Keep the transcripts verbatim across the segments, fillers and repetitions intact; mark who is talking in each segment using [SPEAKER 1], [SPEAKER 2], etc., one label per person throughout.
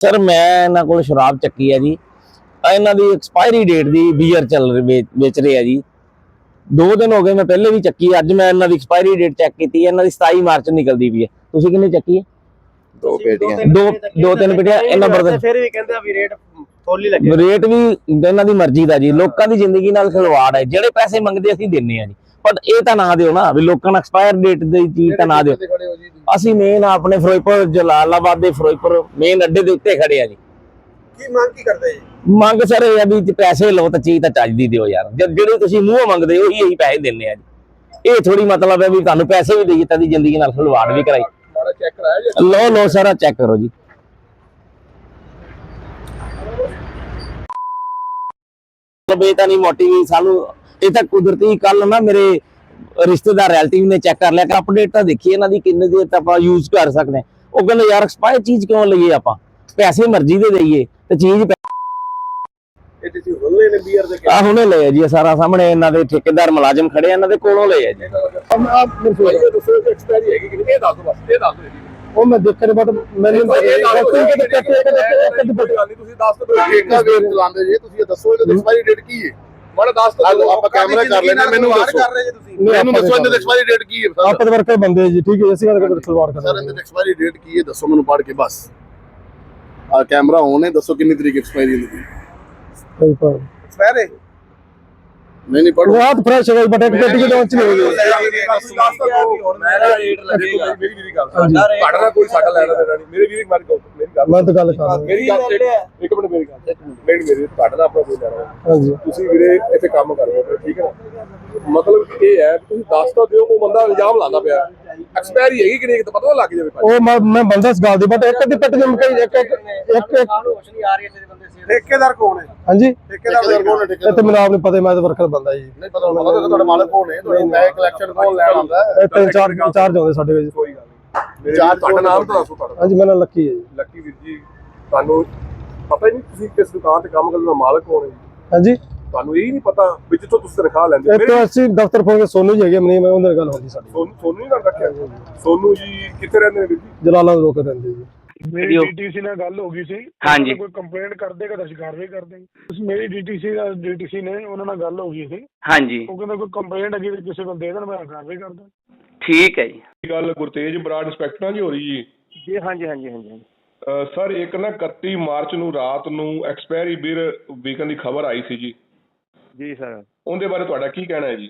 [SPEAKER 1] Sir मैं इन्होंने को शराब चक्की है जी, इन्हों की एक्सपायरी डेट की बीयर चल रही बेच रहे हैं जी। दो दिन हो गए, मैं पहले भी चक्की, अज मैं इन्हों की एक्सपायरी डेट चेक की, इन्हों की सताई मार्च निकलती पई है। तुसीं किन्नी चक्की है?
[SPEAKER 2] दो पेटियां
[SPEAKER 1] दो दो तीन पेटियां इन्हां बरदन
[SPEAKER 2] फिर भी कहंदे आ भी रेट फुल ही लगे।
[SPEAKER 1] रेट भी इन्हां दी मर्जी दा जी, लोकां दी जिंदगी नाल खिलवाड़ है। ਜਿਹੜੇ पैसे मंगदे ਅਸੀਂ ਦਿੰਨੇ ਆ ਜੀ, ਪਰ ਇਹ ਤਾਂ ਨਾ ਦਿਓ ਨਾ ਵੀ ਲੋਕਾਂ ਨੂੰ ਐਕਸਪਾਇਰ ਡੇਟ ਦੀ ਚੀਜ਼ ਤਾਂ ਨਾ ਦਿਓ। ਅਸੀਂ ਮੇਨ ਆਪਣੇ ਫਿਰੋਜ਼ਪੁਰ ਜਲਾਲਾਬਾਦ ਦੇ ਫਿਰੋਜ਼ਪੁਰ ਮੇਨ ਅੱਡੇ ਦੇ ਉੱਤੇ ਖੜੇ ਆ ਜੀ।
[SPEAKER 2] ਕੀ ਮੰਗ ਕੀ ਕਰਦੇ ਜੀ?
[SPEAKER 1] ਮੰਗ ਸਰ ਇਹ ਆ ਵੀ ਪੈਸੇ ਲਓ ਤਾਂ ਚੀਜ਼ ਤਾਂ ਚੱਜ ਦੀ ਦਿਓ ਯਾਰ। ਜਿਹੜੇ ਤੁਸੀਂ ਮੂੰਹੋਂ ਮੰਗਦੇ ਹੋ ਉਹੀ ਅਸੀਂ ਪੈਸੇ ਦਿੰਨੇ ਆ ਜੀ। ਇਹ ਥੋੜੀ ਮਤਲਬ ਹੈ ਵੀ ਤੁਹਾਨੂੰ ਪੈਸੇ ਵੀ ਦੇਈਏ ਤਾਂ ਦੀ ਜ਼ਿੰਦਗੀ ਨਾਲ ਖਿਲਵਾੜ ਵੀ ਕਰਾਈ।
[SPEAKER 2] ਚੈੱਕ ਕਰਾਇਆ ਜੀ?
[SPEAKER 1] ਲਓ ਲਓ ਸਾਰਾ ਚੈੱਕ ਕਰੋ ਜੀ। ਇਹ ਤਾਂ ਨਹੀਂ ਮੋਟੀ ਵੀ ਸਾਨੂੰ, ਇਹ ਤਾਂ ਕੁਦਰਤੀ ਕੱਲ ਨਾ ਮੇਰੇ ਰਿਸ਼ਤੇਦਾਰ ਰਿਲੇਟਿਵ ਨੇ ਚੈੱਕ ਕਰ ਲਿਆ ਕਿ ਅਪਡੇਟ ਤਾਂ ਦੇਖੀ ਇਹਨਾਂ ਦੀ ਕਿੰਨੇ ਦੇਰ ਤੱਕ ਆਪਾਂ ਯੂਜ਼ ਕਰ ਸਕਦੇ ਹਾਂ। ਉਹ ਕਹਿੰਦੇ ਯਾਰ ਐਕਸਪਾਇਰ ਚੀਜ਼ ਕਿਉਂ ਲਈਏ, ਆਪਾਂ ਪੈਸੇ ਮਰਜ਼ੀ ਦੇ ਦੇਈਏ ਤੇ ਚੀਜ਼
[SPEAKER 2] ਇਹ ਤੁਸੀਂ ਹੁਣੇ ਨੇ ਬੀਅਰ ਦੇ
[SPEAKER 1] ਆ ਹੁਣੇ ਲਏ ਜੀ। ਸਾਰਾ ਸਾਹਮਣੇ ਇਹਨਾਂ ਦੇ ਠੇਕੇਦਾਰ ਮੁਲਾਜ਼ਮ ਖੜੇ ਆ, ਇਹਨਾਂ ਦੇ ਕੋਲੋਂ ਲਏ ਆ ਜੀ।
[SPEAKER 2] ਆਪ ਮੈਨੂੰ ਦੱਸੋ ਕਿ ਐਕਸਪਾਇਰੀ ਹੈਗੀ ਕਿ ਇਹ ਦੱਸ ਦਿਓ, ਬਸ ਇਹ ਦੱਸ ਦਿਓ ਜੀ।
[SPEAKER 1] ਉਹ ਮੈਂ ਦੇਖਣ ਬਟ ਮੈਨੂੰ
[SPEAKER 2] ਤੁਸੀਂ ਦੱਸ ਦਿਓ ਠੇਕਾ ਵੇਚ ਚਲਾਉਂਦੇ ਜੀ, ਤੁਸੀਂ ਇਹ ਦੱਸੋ ਇਹਦੀ ਐਕਸਪਾਇਰੀ ਡੇਟ ਕੀ ਹੈ? ਮਾੜਾ ਦੱਸ ਦਿਓ, ਆਪਾਂ ਕੈਮਰਾ ਕਰ ਲੈਣੇ। ਮੈਨੂੰ ਦੱਸੋ ਕਰ ਰਹੇ ਜੀ ਤੁਸੀਂ, ਮੈਨੂੰ ਦੱਸੋ ਇਹਦੀ ਐਕਸਪਾਇਰੀ ਡੇਟ ਕੀ ਹੈ?
[SPEAKER 1] ਆਪਾਂ ਦੇ ਵਰਕਰ ਬੰਦੇ ਜੀ, ਠੀਕ ਹੈ। ਅਸੀਂ ਗੱਲ ਕਰਦੇ ਖਲਵਾੜ ਕਰਦੇ
[SPEAKER 2] ਸਰ, ਇਹਦੀ ਐਕਸਪਾਇਰੀ ਡੇਟ ਕੀ ਹੈ ਦੱਸੋ ਮੈਨੂੰ ਪੜ੍ਹ ਕੇ ਬਸ। ਆ ਕੈਮਰਾ ਔਨ ਹੈ, ਦੱਸੋ ਕਿੰਨੀ ਤਰੀਕ ਐਕਸਪਾਇਰੀ ਹੈ?
[SPEAKER 1] ਕੋਈ ਪਰ
[SPEAKER 2] ਐਕਸਪਾਇਰ ਹੈ? ਨਹੀਂ ਨਹੀਂ ਪੜ੍ਹੋ।
[SPEAKER 1] ਬਹੁਤ ਫਰੈਸ਼ ਹੈ ਬਟ ਇੱਕ ਪੇਟੀ ਲਾਂਚ ਨਹੀਂ ਹੋਈ।
[SPEAKER 2] ਮੇਰਾ ਰੇਟ ਲੱਗੇਗਾ। ਮੇਰੀ ਮੇਰੀ ਗੱਲ ਤੁਹਾਡਾ ਕੋਈ ਸਾਡਾ ਲੈਣਾ ਦੇਣਾ ਨਹੀਂ। ਮੇਰੇ ਵੀਰ ਮਾਰ ਮੇਰੀ ਗੱਲ
[SPEAKER 1] ਮੈਂ ਤਾਂ ਗੱਲ ਕਰ ਰਿਹਾ।
[SPEAKER 2] ਮੇਰੀ ਗੱਲ ਇੱਕ ਮਿੰਟ ਮੇਰੀ ਗੱਲ ਮੇਰੀ ਮੇਰੀ ਤੁਹਾਡਾ ਦਾ ਆਪਣਾ ਕੋਈ ਲੈਣਾ।
[SPEAKER 1] ਹਾਂਜੀ
[SPEAKER 2] ਤੁਸੀਂ ਵੀਰੇ ਇੱਥੇ ਕੰਮ ਕਰ ਰਹੇ ਹੋ, ਠੀਕ ਹੈ ਨਾ? ਮਤਲਬ ਇਹ ਹੈ ਤੁਸੀਂ ਦੱਸ ਤਾਂ ਦਿਓ। ਉਹ ਬੰਦਾ ਇਲਜ਼ਾਮ ਲਾਉਂਦਾ ਪਿਆ ਐਕਸਪਾਇਰੀ ਹੈਗੀ ਕਿ ਨਹੀਂ, ਤਾਂ ਪਤਾ ਲੱਗ ਜਾਵੇ।
[SPEAKER 1] ਉਹ ਮੈਂ ਮੈਂ ਬੰਦਾ ਇਸ ਗੱਲ ਦੀ ਬਟ ਇੱਕ ਦੀ ਪੇਟੀ ਨੂੰ ਕਈ ਇੱਕ ਇੱਕ ਇੱਕ
[SPEAKER 2] ਰੋਸ਼ਨੀ ਆ ਰਹੀ ਹੈ ਤੇਰੇ ਬੰਦੇ ਸੇ। ਠੇਕੇਦਾਰ ਕੌਣ ਹੈ?
[SPEAKER 1] ਹਾਂਜੀ
[SPEAKER 2] ਠੇਕੇਦਾਰ ਕੌਣ ਹੈ?
[SPEAKER 1] ਇਹ ਤੇ ਮੈਨੂੰ ਆਪ ਨਹੀਂ ਪਤਾ, ਮੈਂ ਤਾਂ ਵਰਕਰ ਬੰਦਾ ਜੀ।
[SPEAKER 2] ਨਹੀਂ ਪਤਾ ਪਤਾ ਤੁਹਾਡਾ ਮਾਲਕ ਕੌਣ ਹੈ? ਤੁਹਾਡਾ ਮੈਂ ਕਲੈਕਸ਼ਨ ਕੌਣ ਲੈਣ ਆਉਂਦਾ?
[SPEAKER 1] ਇਹ ਤਿੰਨ ਚਾਰ ਚਾਰਜ ਆਉਂਦੇ ਸਾਡੇ ਵਿੱਚ।
[SPEAKER 2] ਕੋਈ ਗੱਲ ਨਹੀਂ। ਚਾਰ ਤੁਹਾਡਾ ਨਾਮ ਤਾਂ ਦੱਸੋ ਤੁਹਾਡਾ।
[SPEAKER 1] ਹਾਂਜੀ ਮੇਰਾ ਲੱਕੀ ਹੈ ਜੀ।
[SPEAKER 2] ਲੱਕੀ ਵੀਰ ਜੀ, ਤੁਹਾਨੂੰ ਪਤਾ ਹੀ ਨਹੀਂ ਤੁਸੀਂ ਕਿਸ ਦੁਕਾਨ ਤੇ ਕੰਮ ਕਰਨ ਦਾ ਮਾਲਕ ਕੌਣ ਹੈ ਜੀ?
[SPEAKER 1] ਹਾਂਜੀ
[SPEAKER 2] ਤੁਹਾਨੂੰ ਇਹ ਨਹੀਂ ਪਤਾ ਵੀ ਜਿੱਥੋਂ ਤੁਸੀਂ ਤਨਖਾਹ ਲੈਂਦੇ
[SPEAKER 1] ਇੱਕ ਅਸੀਂ ਦਫ਼ਤਰ ਫੋਨ ਕੇ ਸੋਨੂ ਜੀ ਹੈਗੇ, ਮਨੀ ਮੈਂ ਉਹਨਾਂ ਨਾਲ ਗੱਲ ਹੁੰਦੀ ਸਾਡੀ।
[SPEAKER 2] ਸੋਨੂ ਸੋਨੂ ਹੀ ਗੱਲ ਰੱਖਿਆ। ਸੋਨੂ ਜੀ ਕਿੱਥੇ ਰਹਿੰਦੇ ਨੇ ਵੀਰ ਜੀ?
[SPEAKER 1] ਜਲਾਲਾ ਰੋਕ ਰਹਿੰਦੇ ਜੀ।
[SPEAKER 3] ਮੇਰੀ ਡੀਟੀਸੀ ਨਾਲ ਗੱਲ ਹੋ ਗਈ ਸੀ। ਹਾਂਜੀ ਕੋਈ ਕੰਪਲੇਂਟ ਕਰ ਦੇਗਾ ਤਾਂ ਅਸੀਂ ਕਾਰਵਾਈ ਕਰ ਦੇਂਗੇ। ਤੁਸੀਂ ਮੇਰੀ ਡੀਟੀਸੀ ਦਾ ਡੀਟੀਸੀ ਨੇ ਉਹਨਾਂ ਨਾਲ ਗੱਲ ਹੋ ਗਈ ਸੀ।
[SPEAKER 4] ਹਾਂਜੀ
[SPEAKER 3] ਉਹ ਕਹਿੰਦਾ ਕੋਈ ਕੰਪਲੇਂਟ ਹੈਗੀ ਤੇ ਕਿਸੇ ਕੋਲ ਦੇ ਦੇਣ, ਮੈਂ ਕਾਰਵਾਈ ਕਰ ਦਾਂ।
[SPEAKER 4] ਠੀਕ ਹੈ ਜੀ।
[SPEAKER 5] ਗੱਲ ਗੁਰਤੇਜ ਬਰਾੜ ਇੰਸਪੈਕਟਰਾਂ ਦੀ ਹੋ ਰਹੀ ਜੀ?
[SPEAKER 3] ਜੀ ਹਾਂਜੀ ਹਾਂਜੀ ਹਾਂਜੀ
[SPEAKER 5] ਸਰ ਇੱਕ ਨਾ ਇਕੱਤੀ ਮਾਰਚ ਨੂੰ ਰਾਤ ਨੂੰ ਐਕਸਪਾਇਰੀ ਬੀਅਰ ਵਿਕਣ ਦੀ ਖਬਰ ਆਈ ਸੀ ਜੀ।
[SPEAKER 3] ਜੀ ਸਰ,
[SPEAKER 5] ਉਹਦੇ ਬਾਰੇ ਤੁਹਾਡਾ ਕੀ ਕਹਿਣਾ ਹੈ ਜੀ?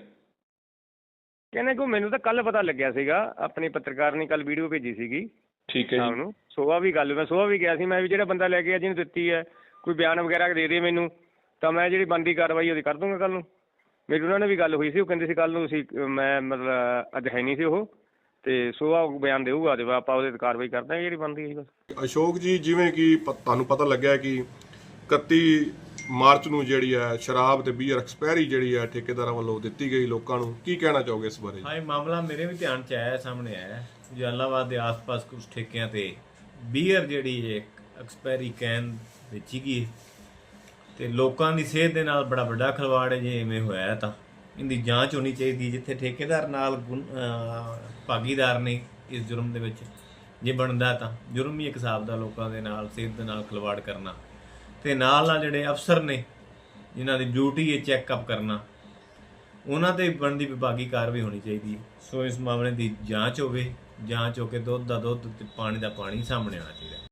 [SPEAKER 3] ਕਹਿੰਦੇ ਕੋ ਮੈਨੂੰ ਤਾਂ ਕੱਲ ਪਤਾ ਲੱਗਿਆ ਸੀਗਾ, ਆਪਣੀ ਪੱਤਰਕਾਰ ਨੇ ਕੱਲ ਵੀਡੀਓ ਭੇਜੀ ਸੀਗੀ।
[SPEAKER 5] ਠੀਕ ਹੈ
[SPEAKER 3] ਸ਼ਾਮ
[SPEAKER 5] ਜੀ।
[SPEAKER 3] ਨੂੰ ਸੁਬਾਹ ਵੀ ਗੱਲ, ਮੈਂ ਸੁਬਾਹ ਵੀ ਗਿਆ ਸੀ। ਮੈਂ ਵੀ ਜਿਹੜਾ ਬੰਦਾ ਲੈ ਕੇ ਜਿਹਨੂੰ ਦਿੱਤੀ ਹੈ ਕੋਈ ਬਿਆਨ ਵਗੈਰਾ ਦੇ ਦੇ ਮੈਨੂੰ, ਤਾਂ ਮੈਂ ਜਿਹੜੀ ਬਣਦੀ ਕਾਰਵਾਈ ਉਹਦੀ ਕਰ ਦੂੰਗਾ ਕੱਲ ਨੂੰ। ਮੇਰੀ ਉਹਨਾਂ ਨੇ ਵੀ ਗੱਲ ਹੋਈ ਸੀ, ਉਹ ਕਹਿੰਦੇ ਸੀ ਕੱਲ ਨੂੰ ਤੁਸੀਂ, ਮੈਂ ਮਤਲਬ ਅੱਜ ਹੈ ਨਹੀਂ ਸੀ ਉਹ, ਤੇ ਸੁਬਾਹ ਬਿਆਨ ਦੇਊਗਾ ਤੇ ਆਪਾਂ ਉਹਦੇ ਤੇ ਕਾਰਵਾਈ ਕਰ ਦਾਂਗੇ ਜਿਹੜੀ ਬਣਦੀ ਹੈ ਬਸ।
[SPEAKER 5] ਅਸ਼ੋਕ ਜੀ, ਜਿਵੇਂ ਕਿ ਤੁਹਾਨੂੰ ਪਤਾ ਲੱਗਿਆ ਕਿ ਇਕੱਤੀ ਮਾਰਚ ਨੂੰ ਜਿਹੜੀ ਹੈ ਸ਼ਰਾਬ ਤੇ ਬੀਅਰ ਐਕਸਪਾਇਰੀ ਜਿਹੜੀ ਹੈ ਠੇਕੇਦਾਰਾਂ ਵੱਲੋਂ ਦਿੱਤੀ ਗਈ ਲੋਕਾਂ ਨੂੰ, ਕੀ ਕਹਿਣਾ ਚਾਹੋਗੇ ਇਸ ਬਾਰੇ?
[SPEAKER 6] ਹਾਂ, ਇਹ ਮਾਮਲਾ ਮੇਰੇ ਵੀ ਧਿਆਨ 'ਚ ਆਇਆ, ਸਾਹਮਣੇ ਆਇਆ। ਜਲਾਲਾਬਾਦ ਦੇ ਆਸ-ਪਾਸ ਕੁਝ ਠੇਕਿਆਂ ਤੇ ਬੀਅਰ ਜਿਹੜੀ ਹੈ ਐਕਸਪਾਇਰੀ ਕੈਨ ਵੇਚੀ ਗਈ ਤੇ ਲੋਕਾਂ ਦੀ ਸਿਹਤ ਦੇ ਨਾਲ ਬੜਾ ਵੱਡਾ ਖਿਲਵਾੜ ਹੈ। ਜੇ ਇਵੇਂ ਹੋਇਆ ਤਾਂ ਇਹਦੀ ਜਾਂਚ ਹੋਣੀ ਚਾਹੀਦੀ। ਜਿੱਥੇ ਠੇਕੇਦਾਰ ਨਾਲ ਭਾਗੀਦਾਰ ਨੇ ਇਸ ਜੁਰਮ ਦੇ ਵਿੱਚ, ਜੇ ਬਣਦਾ ਤਾਂ ਜੁਰਮ ਹੀ ਇੱਕ ਹਿਸਾਬ ਦਾ ਲੋਕਾਂ ਦੇ ਨਾਲ ਸਿਹਤ ਦੇ ਨਾਲ ਖਿਲਵਾੜ ਕਰਨਾ, ਤੇ ਨਾਲ ਨਾਲ ਜਿਹੜੇ ਅਫਸਰ ਨੇ ਜਿਨ੍ਹਾਂ ਦੀ ਡਿਊਟੀ ਹੈ ਚੈੱਕਅਪ ਕਰਨਾ, ਉਹਨਾਂ ਤੇ ਬਣਦੀ ਵਿਭਾਗੀ ਕਾਰਵਾਈ ਹੋਣੀ ਚਾਹੀਦੀ ਹੈ। ਸੋ ਇਸ ਮਾਮਲੇ ਦੀ ਜਾਂਚ ਹੋਵੇ, ਜਾਂਚ ਹੋ ਕੇ ਦੁੱਧ ਦਾ ਦੁੱਧ ਤੇ ਪਾਣੀ ਦਾ ਪਾਣੀ ਸਾਹਮਣੇ ਆਉਣਾ ਚਾਹੀਦਾ।